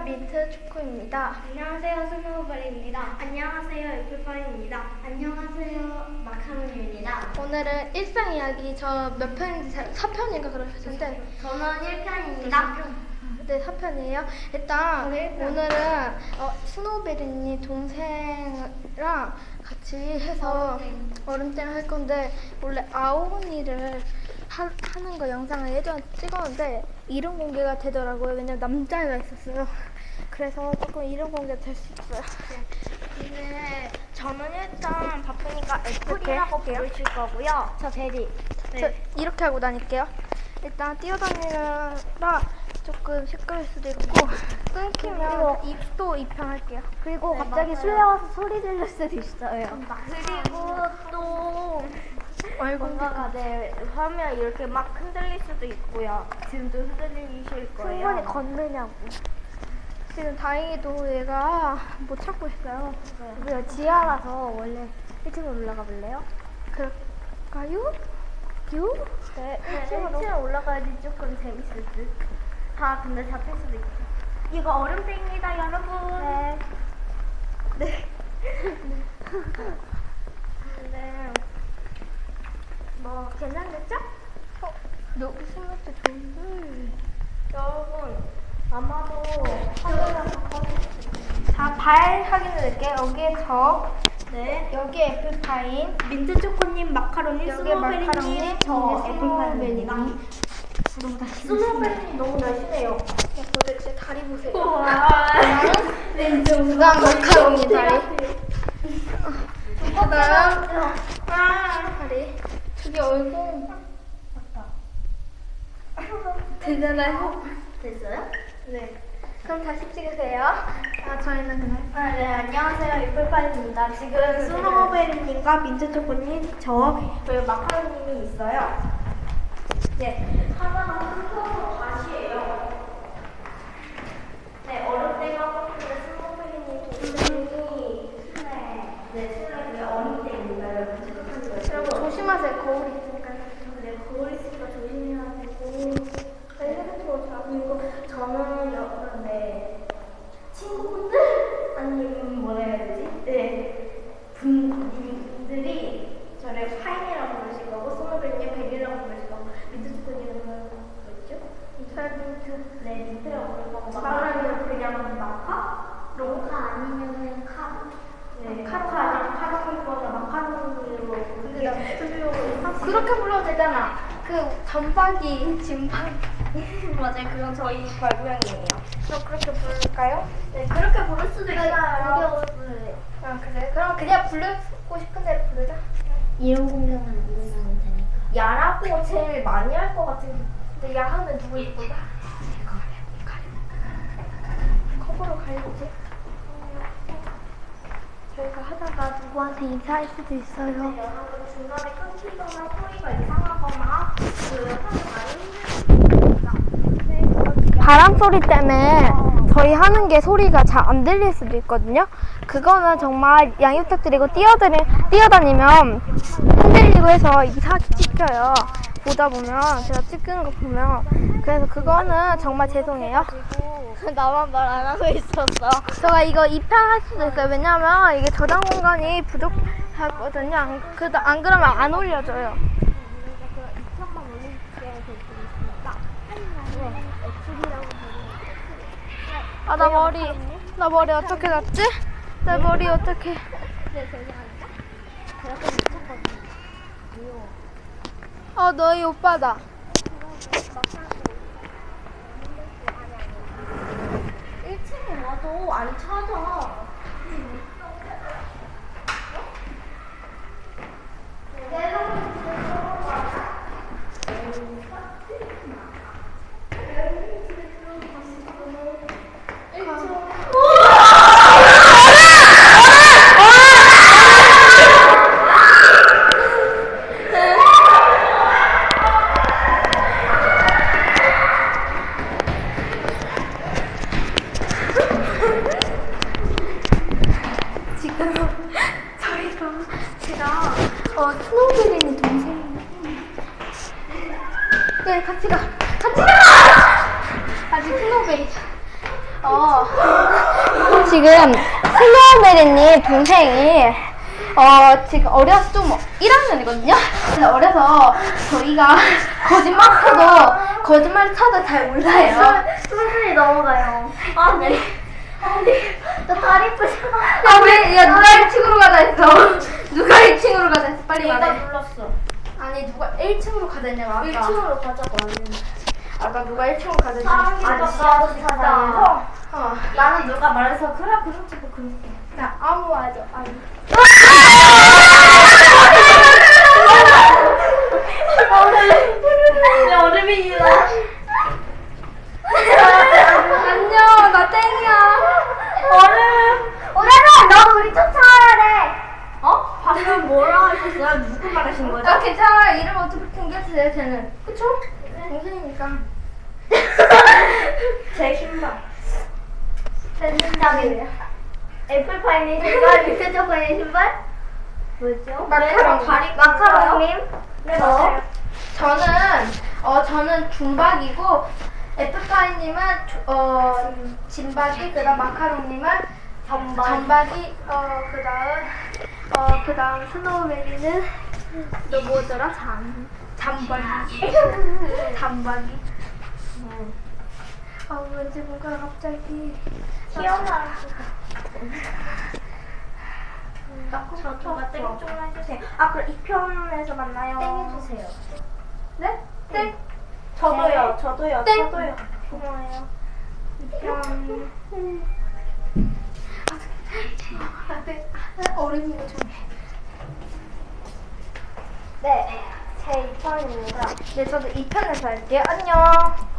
민트 초코입니다. 안녕하세요, 스노우볼입니다. 안녕하세요, 애플파이입니다. 안녕하세요, 마카로니입니다. 오늘은 일상 이야기 저 몇 편인지 4편인가 그러셨는데 저는 1편입니다. 네, 4편이에요. 일단 네, 1편. 오늘은 스노우베리님 동생이랑 같이 해서 얼음땡 할 건데 원래 아오니를 하는 거 영상을 예전에 찍었는데 이름 공개가 되더라고요. 왜냐면 남자애가 있었어요. 그래서 조금 이름 공개가 될 수 있어요. 근데 저는 일단 바쁘니까 애플이라고 부르실 거고요. 저 베리. 저 이렇게 하고 다닐게요. 일단 뛰어다니느라 조금 시끄러울 수도 있고 끊기면 입도 입양할게요. 그리고 네, 갑자기 맞아요. 술래 와서 소리 들릴 수도 있어요. 그리고 또 뭔가가 내 화면 이렇게 막 흔들릴 수도 있고요. 지금도 흔들리실 거예요. 충분히 걷느냐고. 지금 다행히도 얘가 못 찾고 있어요. 우리가 지하라서 원래 1층으로 올라가 볼래요? 그럴까요? 유? 네, 1층 올라가야지 조금 재밌을 듯. 다 근데 잡힐 수도 있고. 이거 얼음땡입니다, 여러분. 네. 네. 네. 뭐 괜찮겠죠? 무슨 것도 좋은데. 여러분 아마도 카메라가 발 확인해드릴게요. 여기에 저, 네. 여기에 애플파인, 민트 초코님, 마카로니, 여기에 마카로니, 스노우베리님, 저 여기에 애플파이입니다. 스노우베리님 너무 날씬해요. 도대체 다리 보세요. 왼쪽. 그다음 마카로니 다리. 그다음 다리. 저기 얼굴 되잖아요. 됐어요? 네. 그럼 다시 찍으세요. 저희는 그냥. 네, 안녕하세요. 애플파이입니다. 지금 스노우베리님과 민트초코님, 그리고 마카로님이 있어요. 네, 하나가 흩어서 다시예요. 네, 얼음땡하고 스노우베리님 동생이 술래 얼음땡입니다. 여러분 체크하는 거예요. 여러분 조심하세요. 거울이 있으니까요. 네, 거울 있으니까 조심해야 되고. 그리고 저는 친구분들 아니면 뭐라 해야 되지? 네, 분들이 저를 파인이라고 부르실 거고 스노우베리님 베리라고 부르실 거고 민트초코님은 뭐였죠? 민트. 네, 민트라고 부를 거고 마카로니는 그냥 마카? 롱카 아니면은 네, 카로카 아니면 카로카거나 마카로니로 근데 나 그렇게 불러도 되잖아. 그 점박이, 짐박이. 맞아요, 그건 저희 발고양이에요. 저 그렇게 부를까요? 네, 그렇게 부를 수도 있어요. 그래. 그럼 그냥 부르고 싶은 대로 부르자. 이런 공격은 안 된다면 되니까. 야라고 제일 많이 할 것 같은. 근데 야하면 누구 이쁘다? 컵으로 가려지. 저희가 하다가 누구한테 인사할 수도 있어요. 여러분 중간에 끊기거나 소리가 이상하거나 하는 많이 바람 소리 때문에 저희 하는 게 소리가 잘 안 들릴 수도 있거든요. 그거는 정말 양해 부탁드리고 뛰어다니면 흔들리고 해서 이상하게 찍혀요. 보다 보면 제가 찍은 거 보면 그래서 그거는 정말 죄송해요. 나만 말 안 하고 있었어. 제가 이거 입양할 수도 있어요. 왜냐면 이게 저장 공간이 부족하거든요. 안 그러면 안 올려져요. 아, 나 머리 어떻게 났지? 내 머리 어떻게? 너희 오빠다. 1층에 와도 안 찾아. 지금 슬로우베리님 동생이 지금 어려서 좀 1학년이거든요. 그래서 어려서 저희가 거짓말 쳐도 잘 몰라요. 수술이 넘어가요. 아니, 저 다리 부셔. 야 누가 1층으로 가자 했어. 누가 1층으로 가자 했어. 빨리 내가 말해. 눌렀어. 아니 누가 1층으로 가자 했냐고 아까. 1층으로 가자고 안 했는데. 아까 누가 1층으로 가자 했냐고. 아니, 지하주차장에서 어. 나는 누가 말해서 그래 그렇지 뭐 그랬어. 나 아무 말도 안 해. 내 얼음이다. 안녕 나 땡이야. 얼음. 오늘은 너 우리 쫓아와야 돼. 어? 방금 뭐라 하셨어요? 누구 말하신 거죠? 아 괜찮아. 이름 어차피 공개해주세요 쟤는. 그쵸? 동생이니까. 제 신발. 제 신발이에요. 애플파이님 신발, 밑에 초코님 신발? 뭐죠? 마카롱. 마카롱님? 네, 맞아요. 저는 중박이고 에프파이님은 진박이 그다음 마카롱님은 전박이 그다음 스노우베리는 너 뭐더라? 잠박이 잠박이. 왠지 뭔가 갑자기 튀어나와. 저가 땡 좀 해주세요. 아, 그럼 2편에서 만나요. 땡 해주세요. 네? 땡. 저도요. 땡. 저도요. 고마워요. 2편. 어른이가 좀. 네, 제 2편입니다. 네, 저도 2편에서 할게요. 안녕.